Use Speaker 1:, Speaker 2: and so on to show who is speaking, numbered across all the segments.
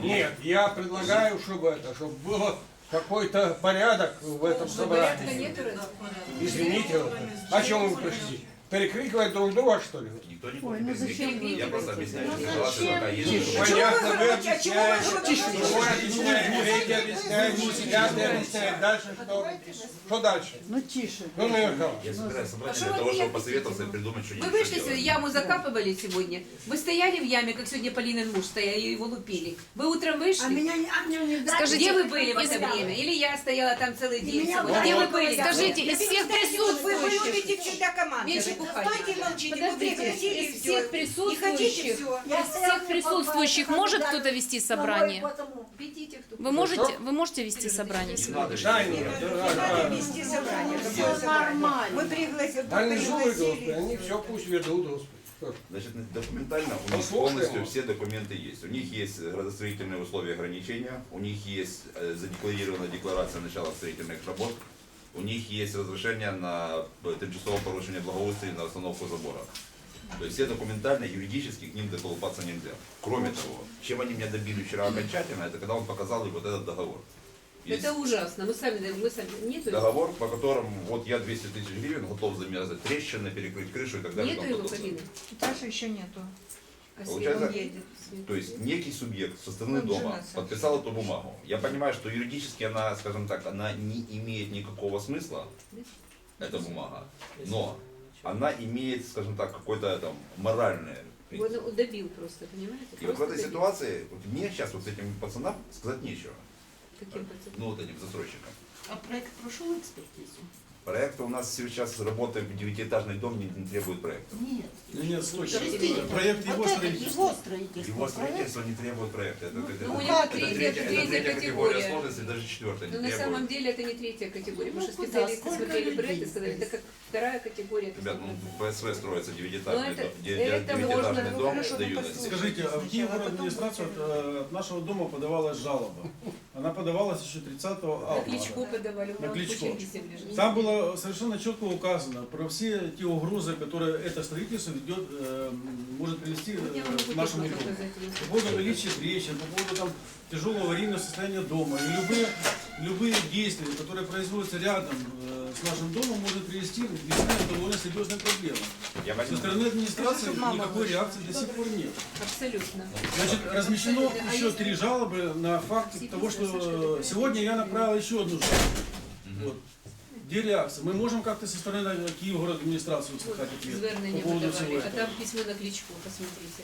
Speaker 1: Нет, я предлагаю, чтобы было какой-то порядок в этом собрании. Извините, о чем вы пришли? Перекрикивать друг друга, что ли?
Speaker 2: Никто не будет перекрикивать. Я просто объясняю, что ситуация такая есть.
Speaker 1: Понятно, вы объясняете, вы объясняете, третий объясняет, пятый объясняет. Дальше что? Что дальше?
Speaker 3: Ну тише.
Speaker 1: Ну, Михаил.
Speaker 2: Я собираюсь собраться для того, чтобы посоветоваться и придумать, что
Speaker 4: Вы
Speaker 2: делать.
Speaker 4: вышли, яму закапывали сегодня. Вы стояли в яме, как сегодня Полинин муж стоял, и его лупили. Вы утром вышли?
Speaker 5: Скажите,
Speaker 4: Где вы были в это время? Или я стояла там целый день сегодня? Где вы были?
Speaker 5: Скажите, из всех
Speaker 6: Вы
Speaker 5: присутствующих,
Speaker 6: любите всегда команду.
Speaker 4: Меньше бухать.
Speaker 6: Стойте и молчите, вы прекратили
Speaker 5: из
Speaker 6: все.
Speaker 5: всех присутствующих, может кто-то вести собрание?
Speaker 4: Ведите, кто
Speaker 5: Вы можете вести собрание сегодня?
Speaker 6: Надо вести собрание. Какое собрание? Мы пригласили.
Speaker 1: Они все пусть ведут, Господи.
Speaker 2: Значит, документально у них
Speaker 1: Послушаем.
Speaker 2: полностью все документы есть. У них есть градостроительные условия ограничения, у них есть задекларированная декларация начала строительных работ, у них есть разрешение на тимчасовое порушение благоустройства на остановку забора. То есть все документально, юридически к ним доколупаться нельзя. Кроме того, чем они меня добили вчера окончательно, это когда он показал им вот этот договор. Есть
Speaker 4: Это ужасно. Мы сами нету.
Speaker 2: договор, по которому вот я 200 тысяч гривен готов замазать трещины, перекрыть крышу и так далее. и
Speaker 4: Нету
Speaker 2: тому
Speaker 4: его,
Speaker 2: подобное.
Speaker 4: Полина?
Speaker 6: Таша еще нету.
Speaker 4: А
Speaker 2: Получается,
Speaker 6: Он едет.
Speaker 2: то есть некий субъект со стороны
Speaker 6: Он
Speaker 2: дома
Speaker 6: женился.
Speaker 2: подписал эту бумагу. Я понимаю, что юридически она, скажем так, она не имеет никакого смысла, эта бумага, но она имеет, скажем так, какое-то там моральное.
Speaker 4: Он добил просто, понимаете?
Speaker 2: И вот в
Speaker 4: Просто
Speaker 2: этой
Speaker 4: добил.
Speaker 2: ситуации вот мне сейчас вот этим пацанам сказать нечего.
Speaker 4: Каким пацаном?
Speaker 2: Ну вот этим застройщикам.
Speaker 3: А проект прошел экспертизу?
Speaker 2: Проект у нас сейчас работает, 9-этажный дом не требует проекта.
Speaker 3: Нет.
Speaker 7: Нет, слушай,
Speaker 3: Подожди,
Speaker 7: проект его
Speaker 3: вот это
Speaker 7: строительства.
Speaker 3: его строительство.
Speaker 2: Его строительство не требует проекта. Это,
Speaker 4: Ну, у него
Speaker 2: это
Speaker 4: третья
Speaker 2: категория
Speaker 4: категория.
Speaker 2: сложности, даже четвертая не
Speaker 4: Но на
Speaker 2: требует.
Speaker 4: самом деле это не третья категория, потому что
Speaker 3: Ну, куда?
Speaker 4: специалисты
Speaker 3: Сколько
Speaker 4: смотрели
Speaker 3: людей
Speaker 4: проект и сказали, это как вторая категория. это
Speaker 2: Ребят,
Speaker 4: самое.
Speaker 2: ну ПСВ строится
Speaker 4: Ну,
Speaker 2: 9-этажный
Speaker 4: это-
Speaker 2: дом,
Speaker 4: это можно, ну,
Speaker 2: дом
Speaker 6: хорошо,
Speaker 2: дают.
Speaker 6: послушай.
Speaker 7: Скажите, а в Киевгород администрацию от нашего дома подавалась жалоба. Она подавалась еще 30
Speaker 4: На
Speaker 7: августа.
Speaker 4: Кличко подавали,
Speaker 7: На Кличко.
Speaker 4: лежит.
Speaker 7: Там было совершенно четко указано про все те угрозы, которые это строительство ведет, может привести
Speaker 4: Я могу
Speaker 7: к нашему
Speaker 4: точно
Speaker 7: дому.
Speaker 4: показать, если
Speaker 7: По поводу наличия трещин, по поводу там, тяжелого аварийного состояния дома. И любые действия, которые производятся рядом с нашим домом, может привести к решению довольно серьезной проблемы.
Speaker 2: Я
Speaker 7: Со
Speaker 2: возьму.
Speaker 7: стороны администрации никакой реакции до сих пор нет.
Speaker 4: Абсолютно.
Speaker 7: Значит, размещено
Speaker 4: А
Speaker 7: еще
Speaker 4: если-
Speaker 7: 3 жалобы на факт того, что сегодня я направил еще одну жалобу. Вот. Где реакция? Мы можем как-то со стороны Киевгород администрации услышать ответ
Speaker 4: Звернення
Speaker 7: по поводу
Speaker 4: подавали,
Speaker 7: всего
Speaker 4: а
Speaker 7: этого.
Speaker 4: там письмо на Кличко, посмотрите.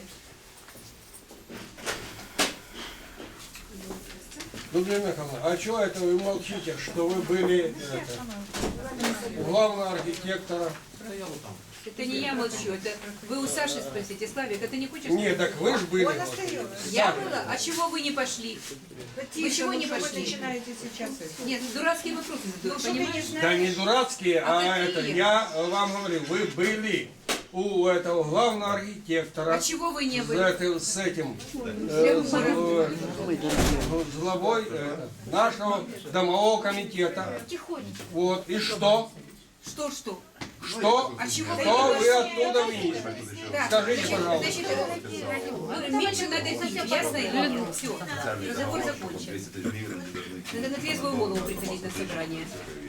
Speaker 1: Людмила Михайловна, а что это вы молчите, что вы были у главного архитектора?
Speaker 4: Это не я молчу, это вы у Саши спросите. Славик, а ты не хочешь?
Speaker 1: Нет, так вы же были.
Speaker 6: Он
Speaker 1: Господи.
Speaker 6: остается.
Speaker 4: Я была? А чего вы не пошли?
Speaker 6: Тише,
Speaker 4: чего
Speaker 6: ну
Speaker 4: не
Speaker 6: что вы
Speaker 4: пошли?
Speaker 6: начинаете сейчас?
Speaker 4: Нет, дурацкие вопросы
Speaker 6: Ну
Speaker 4: задают,
Speaker 6: что ты не
Speaker 4: понимаешь?
Speaker 1: Да
Speaker 6: знаешь?
Speaker 1: не дурацкие,
Speaker 4: А
Speaker 1: а
Speaker 4: какие?
Speaker 1: это, я вам говорю, вы были у этого главного архитектора.
Speaker 4: А чего вы не были?
Speaker 1: С этим с главой нашего домового комитета. Вот, и что?
Speaker 4: Что?
Speaker 1: Что?
Speaker 4: А чего вы
Speaker 1: Что
Speaker 4: не
Speaker 1: вы оттуда видите?
Speaker 4: Так,
Speaker 1: Скажите, пожалуйста.
Speaker 4: значит, меньше надо пить, ясно? Все, разговор закончен.
Speaker 2: 200 тысяч гривен не должны идти.
Speaker 4: Надо на трезвую голову приходить на собрание.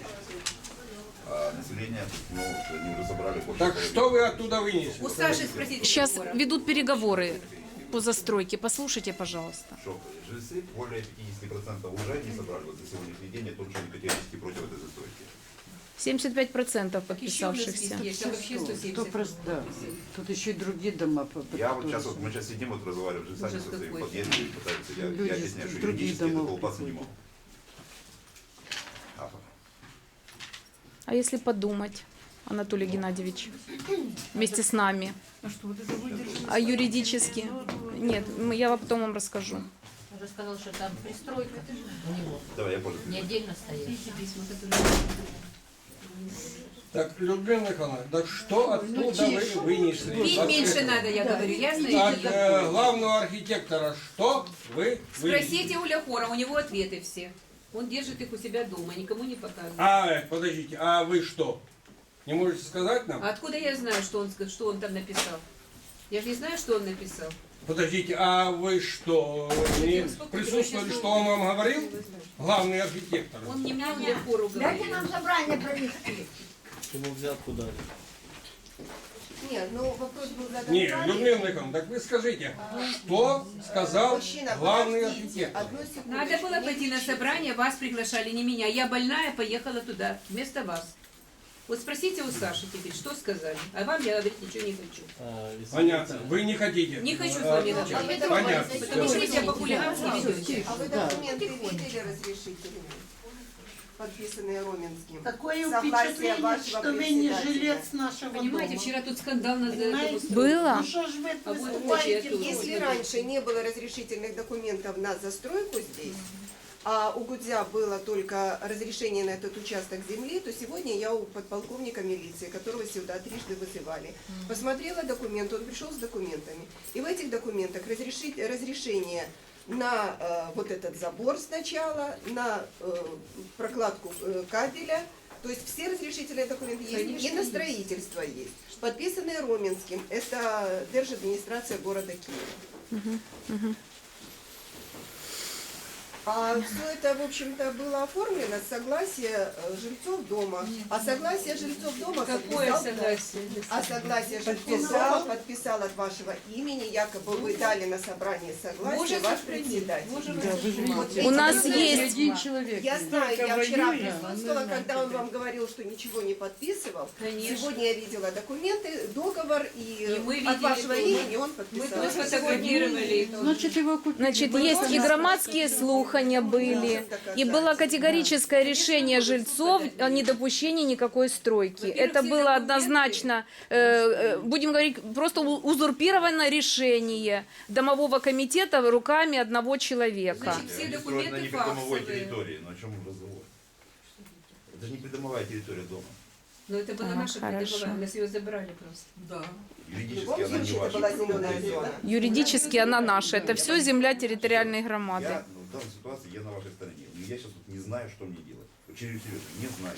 Speaker 2: А население, ну, они уже собрали больше
Speaker 1: Так
Speaker 2: половины.
Speaker 1: что вы оттуда вынесли?
Speaker 4: У Саши спросите.
Speaker 5: Сейчас
Speaker 4: Егора.
Speaker 5: ведут переговоры по застройке. Послушайте, пожалуйста.
Speaker 2: Что жильцы более 50% уже не собрали вот за сегодняшний день, о том, что они категорически против этой застройки.
Speaker 5: 75%
Speaker 4: Еще у нас
Speaker 5: подписавшихся.
Speaker 4: есть, там вообще 170.
Speaker 3: Кто просто, да. Тут еще и другие дома.
Speaker 2: Я вот сейчас, вот мы сейчас сидим, вот разговариваем с жильцами
Speaker 4: Ужас
Speaker 2: со своими
Speaker 4: какой.
Speaker 2: подъездами, пытаются, я
Speaker 3: Люди
Speaker 2: объясняю,
Speaker 3: с
Speaker 2: что
Speaker 3: других
Speaker 2: юридически это
Speaker 3: домов
Speaker 2: колупаться не
Speaker 3: приходят.
Speaker 2: могут.
Speaker 5: А если подумать, Анатолий Геннадьевич, вместе с нами? А юридически? Нет, я потом вам расскажу.
Speaker 8: Он же сказал, что там пристройка у него,
Speaker 2: Давай, я позже.
Speaker 8: не отдельно стоит.
Speaker 1: Так, Людмила Михайловна, так что оттуда вы вынесли?
Speaker 4: Пить меньше надо, я говорю, ясно?
Speaker 1: От
Speaker 4: Или-
Speaker 1: главного архитектора что вы вынесли?
Speaker 4: Спросите у Ляхора, у него ответы все. Он держит их у себя дома, никому не показывает.
Speaker 1: Подождите, а вы что? Не можете сказать нам?
Speaker 4: А откуда я знаю, что он там написал? Я же не знаю, что он написал.
Speaker 1: Подождите, а вы что, не
Speaker 4: Сколько
Speaker 1: присутствовали,
Speaker 4: сейчас
Speaker 1: что он вам говорил? Главный архитектор.
Speaker 4: Он не мне для пору говорит.
Speaker 6: собрание провести.
Speaker 7: Чтобы взятку дали.
Speaker 9: Нет, ну вопрос был задан
Speaker 1: Не,
Speaker 9: правильно.
Speaker 1: Людмила Николаевна, так вы скажите, что сказал
Speaker 9: Мужчина,
Speaker 1: главный
Speaker 9: подождите,
Speaker 1: архитектор?
Speaker 9: одну секундочку,
Speaker 4: Надо было
Speaker 9: не
Speaker 4: пойти на
Speaker 9: кричите.
Speaker 4: собрание, вас приглашали, не меня. Я больная, поехала туда, вместо вас. Вот спросите у Саши теперь, что сказали. А вам я говорить ничего не хочу.
Speaker 1: Понятно, вы не хотите.
Speaker 4: Не хочу с вами
Speaker 9: А
Speaker 4: начать.
Speaker 9: вы
Speaker 1: Понятно.
Speaker 4: Потому что вы себя по-хулигански ведете.
Speaker 9: А вы документы видели разрешительные, подписанные Роменским?
Speaker 6: Такое
Speaker 9: Согласие
Speaker 6: впечатление,
Speaker 9: вашего
Speaker 6: что вы не
Speaker 9: председателя.
Speaker 6: жилец нашего
Speaker 4: Понимаете,
Speaker 6: дома.
Speaker 4: вчера тут скандал на
Speaker 6: Понимаете?
Speaker 5: Было?
Speaker 6: Ну что ж вы
Speaker 4: А вот
Speaker 6: выступаете?
Speaker 4: вот я
Speaker 9: Если раньше не было разрешительных документов на застройку здесь, а у Гудзя было только разрешение на этот участок земли, то сегодня я у подполковника милиции, которого сюда трижды вызывали, посмотрела документ, он пришел с документами. И в этих документах разрешение на вот этот забор сначала, на прокладку кабеля, то есть все разрешительные документы есть,
Speaker 4: Конечно,
Speaker 9: и на строительство есть. Подписанные Роменским, это держадминистрация города Киева. А все это, в общем-то, было оформлено с согласия жильцов дома. А согласие жильцов дома
Speaker 4: Какое
Speaker 9: подписал-
Speaker 4: согласие?
Speaker 9: А согласие жильцов дома подписал от вашего имени, якобы вы дали на собрание согласие
Speaker 4: Боже,
Speaker 9: ваш
Speaker 4: сохрани.
Speaker 9: председатель.
Speaker 4: Боже,
Speaker 3: Да, вы же
Speaker 9: Вот
Speaker 3: видите.
Speaker 9: эти
Speaker 5: У нас
Speaker 9: документы-
Speaker 5: есть-
Speaker 3: Один человек.
Speaker 9: Я знаю, я вчера
Speaker 3: воюем,
Speaker 9: присутствовала,
Speaker 3: а мы
Speaker 9: когда он вам говорил, что ничего не подписывал.
Speaker 4: Конечно.
Speaker 9: Сегодня я видела документы, договор, и
Speaker 4: мы
Speaker 9: от
Speaker 4: видели
Speaker 9: вашего
Speaker 4: тоже.
Speaker 9: имени он
Speaker 4: Мы
Speaker 9: подписал.
Speaker 4: тоже сфотографировали.
Speaker 3: Значит, его купили.
Speaker 5: Значит, есть и громадские слухания были, и было категорическое решение жильцов о недопущении никакой стройки.
Speaker 4: Во-первых,
Speaker 5: Это
Speaker 4: все
Speaker 5: было
Speaker 4: документы-
Speaker 5: однозначно, будем говорить, просто узурпированное решение домового комитета руками одного человека.
Speaker 4: Значит, все
Speaker 2: Они строят
Speaker 4: документы
Speaker 2: на непридомовой
Speaker 4: факсовые.
Speaker 2: территории, но о чем разговор? Это же не придомовая территория дома.
Speaker 4: Но это была
Speaker 5: Ага,
Speaker 4: наша
Speaker 5: хорошо.
Speaker 4: придомовая, нас ее забрали просто.
Speaker 6: Да.
Speaker 9: В
Speaker 2: Юридически
Speaker 9: любом
Speaker 2: она не
Speaker 9: случае, это
Speaker 2: ваша.
Speaker 9: была зеленая зона.
Speaker 5: Юридически она наша. Это все земля территориальной громады.
Speaker 2: Я, ну, в данной ситуации я на вашей стороне. Но я сейчас тут не знаю, что мне делать. Очень серьезно, не знаю.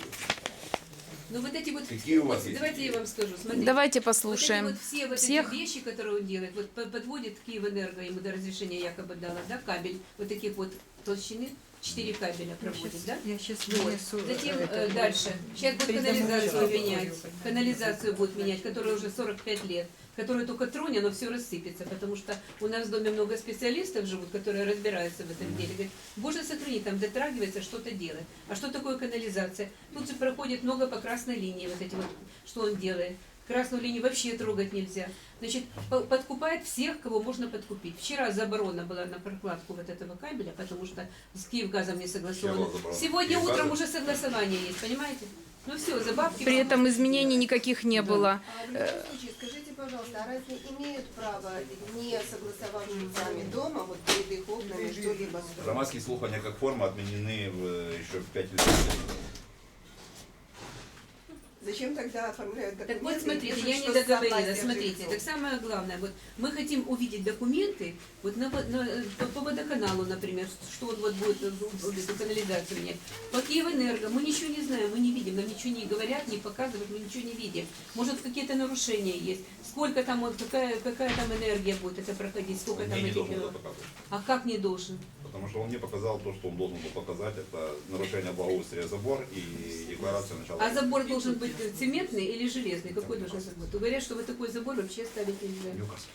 Speaker 4: Ну вот эти вот,
Speaker 2: Какие у вас есть
Speaker 4: давайте я
Speaker 2: идеи?
Speaker 4: вам скажу, смотрите.
Speaker 5: Давайте
Speaker 4: Вот
Speaker 5: послушаем
Speaker 4: эти вот все вот
Speaker 5: всех.
Speaker 4: эти вещи, которые он делает, вот подводит Киевэнерго, ему до разрешения якобы дала, да, кабель, вот таких вот толщины, 4 кабеля проводит, да?
Speaker 3: Я сейчас
Speaker 4: Вот. Затем дальше. Сейчас будет канализацию менять. Канализацию будут менять, которая уже 45 лет. Которую только тронь, оно все рассыпется. Потому что у нас в доме много специалистов живут, которые разбираются в этом деле. Говорят, боже сохрани, там дотрагивается, что-то делает. А что такое канализация? Тут же проходит много по красной линии, вот эти вот, что он делает. Красную линию вообще трогать нельзя. Значит, подкупает всех, кого можно подкупить. Вчера заборона была на прокладку вот этого кабеля, потому что с Киевгазом не согласовано.
Speaker 2: Вчера была заборона.
Speaker 4: Сегодня
Speaker 2: Киевгазом?
Speaker 4: утром уже согласование есть, понимаете? Ну все, за бабки.
Speaker 5: При этом изменений никаких не было.
Speaker 9: А в любом случае, скажите, пожалуйста, а разве имеют право, не согласовавшись сами дома, вот перед их окнами что-либо строить?
Speaker 2: Громадские слухания как форма отменены еще 5 лет назад.
Speaker 9: Зачем тогда оформляют
Speaker 4: Так
Speaker 9: документы?
Speaker 4: вот, смотрите,
Speaker 9: и пишут,
Speaker 4: я не
Speaker 9: что
Speaker 4: договорила.
Speaker 9: согласие
Speaker 4: Смотрите,
Speaker 9: жильцов?
Speaker 4: так самое главное, вот мы хотим увидеть документы, вот по водоканалу, например, что он вот будет эту канализацию менять. По Киевэнерго мы ничего не знаем, мы не видим, нам ничего не говорят, не показывают, мы ничего не видим. Может, какие-то нарушения есть, сколько там, вот, какая там энергия будет это проходить, сколько
Speaker 2: Он
Speaker 4: там
Speaker 2: мне не
Speaker 4: этих...
Speaker 2: должен был показывать.
Speaker 4: А как не должен?
Speaker 2: Потому что он мне показал то, что он должен был показать. Это нарушение благоустрия забор и декларация начала.
Speaker 4: А забор должен быть цементный или железный? Какой должен быть? Говорят, что вот такой забор вообще ставить нельзя.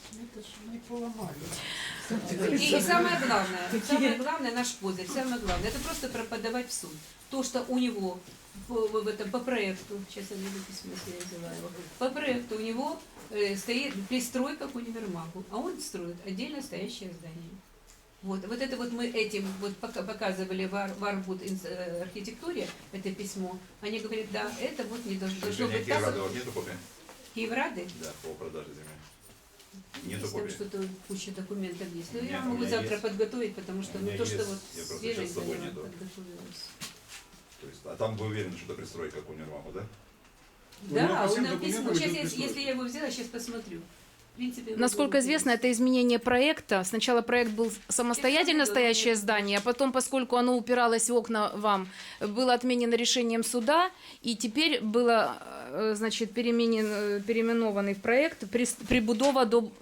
Speaker 4: И самое главное, наш козырь, самое главное, это просто подавать в суд. То, что у него по проекту, сейчас я найду письмо, если я взяла его, по проекту у него стоит пристройка к универмагу, а он строит отдельно стоящее здание. Вот это вот мы этим вот показывали в Арбуд архитектуре, это письмо. Они говорят, да, это вот не должно быть так.
Speaker 2: Киеврады, вот нету копии?
Speaker 4: Киеврады?
Speaker 2: Да, по продаже земли. Нету
Speaker 4: Если там
Speaker 2: копии.
Speaker 4: что-то, куча документов есть. Ну,
Speaker 2: Нет,
Speaker 4: я
Speaker 2: у
Speaker 4: могу
Speaker 2: меня
Speaker 4: завтра
Speaker 2: есть.
Speaker 4: подготовить, потому что
Speaker 2: У меня
Speaker 4: ну, то, что
Speaker 2: есть.
Speaker 4: вот
Speaker 2: Я просто
Speaker 4: свежее
Speaker 2: сейчас с собой
Speaker 4: заняла,
Speaker 2: нету.
Speaker 4: подготовилась.
Speaker 2: То есть, а там вы уверены, что это пристройка к универмагу, да?
Speaker 4: Да,
Speaker 7: по
Speaker 4: он
Speaker 7: всем
Speaker 4: нам письмо.
Speaker 7: документам
Speaker 4: Сейчас,
Speaker 7: идет пристройка.
Speaker 4: если я его взяла, сейчас посмотрю. В принципе, его
Speaker 5: Насколько
Speaker 4: было
Speaker 5: известно,
Speaker 4: полностью.
Speaker 5: это изменение проекта. Сначала проект был самостоятельно стоящее здание, а потом, поскольку оно упиралось в окна вам, было отменено решением суда, и теперь было, значит, переименованный в проект прибудова до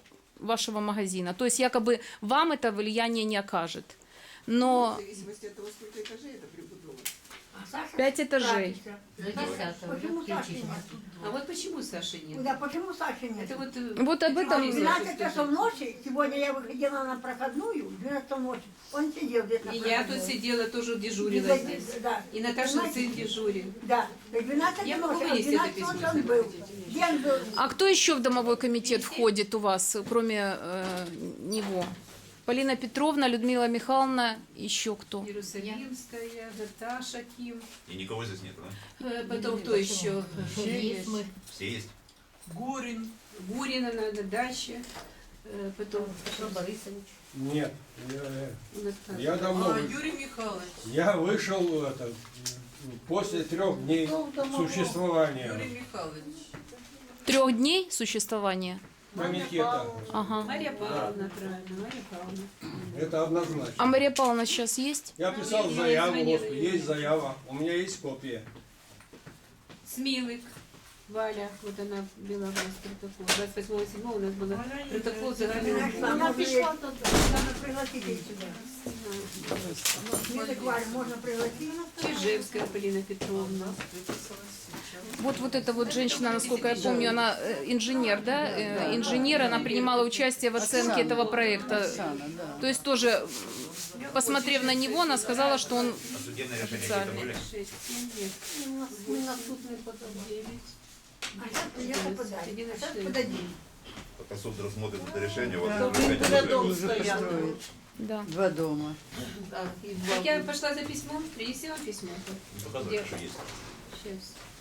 Speaker 5: вашего магазина. То есть якобы вам это влияние не окажет. Но
Speaker 9: В зависимости от того, сколько этажей это прибудова.
Speaker 5: 5 этажей.
Speaker 8: До 10-го
Speaker 10: Почему
Speaker 8: уже
Speaker 10: Саши
Speaker 8: включить.
Speaker 10: нет?
Speaker 4: А вот почему Саши нет?
Speaker 10: Да, почему Саши нет?
Speaker 4: Это вот,
Speaker 5: Вот об этом...
Speaker 10: В 12 часов ночи, сегодня я выходила на проходную, в 12 часов ночи, он сидел здесь на
Speaker 4: и
Speaker 10: проходной.
Speaker 4: я тут сидела, тоже дежурила
Speaker 10: Да,
Speaker 4: здесь.
Speaker 10: да.
Speaker 4: И Наташа
Speaker 10: Понимаете?
Speaker 4: сын дежурил.
Speaker 10: Да, в 12
Speaker 4: Я могу
Speaker 10: ночи, а в
Speaker 4: вынести
Speaker 10: 12
Speaker 4: это
Speaker 10: ночи
Speaker 4: письмо,
Speaker 10: он
Speaker 4: если
Speaker 10: был.
Speaker 4: хотите.
Speaker 10: Где он был?
Speaker 5: А кто еще в домовой комитет входит у вас, кроме него? Полина Петровна, Людмила Михайловна, еще кто?
Speaker 4: Иерусалимская, Наташа Ким.
Speaker 2: И никого здесь нет, да?
Speaker 4: Потом кто еще?
Speaker 8: Есть мы.
Speaker 2: Все есть?
Speaker 4: Гурина надо, дальше. Потом
Speaker 8: Петр Борисович.
Speaker 1: Нет,
Speaker 4: у нас там.
Speaker 1: я давно вышел.
Speaker 6: Юрий Михайлович.
Speaker 1: Я вышел после 3 дней существования
Speaker 6: Михайлович.
Speaker 5: 3 дней существования?
Speaker 1: комитета.
Speaker 5: Ага.
Speaker 4: Мария Павловна, правильно, Мария Павловна.
Speaker 1: Это однозначно.
Speaker 5: А Мария Павловна сейчас есть?
Speaker 1: Я писал
Speaker 4: я
Speaker 1: заяву,
Speaker 4: звонила
Speaker 1: вот,
Speaker 4: ей.
Speaker 1: есть заява, у меня есть копия.
Speaker 4: Смилык, Валя, вот она вела у нас протокол. 28.07 у нас был протокол загального.
Speaker 10: Она пришла, надо пригласить ее сюда. Милый Варя, можно пригласить?
Speaker 4: Чижевская Полина Петровна.
Speaker 5: Вот эта вот женщина, насколько я помню, она инженер, да? Инженер, она принимала участие в оценке этого проекта.
Speaker 3: Оксана, да.
Speaker 5: То есть тоже, посмотрев на него, она сказала, что он...
Speaker 2: А судебные решения какие-то были?
Speaker 4: 6, 7 лет.
Speaker 10: Мы на суд не подадим. А сейчас придется подать. Сейчас подадим.
Speaker 2: Пока суд рассмотрит это решение, вот
Speaker 8: Да,
Speaker 2: вы
Speaker 8: когда дом
Speaker 3: Уже
Speaker 8: стоят.
Speaker 3: построить.
Speaker 5: Да.
Speaker 3: 2 дома.
Speaker 8: Да, и
Speaker 4: Так
Speaker 8: два
Speaker 4: я пошла за письмом, принеси вам письмо.
Speaker 2: показывают, что есть.
Speaker 4: Сейчас.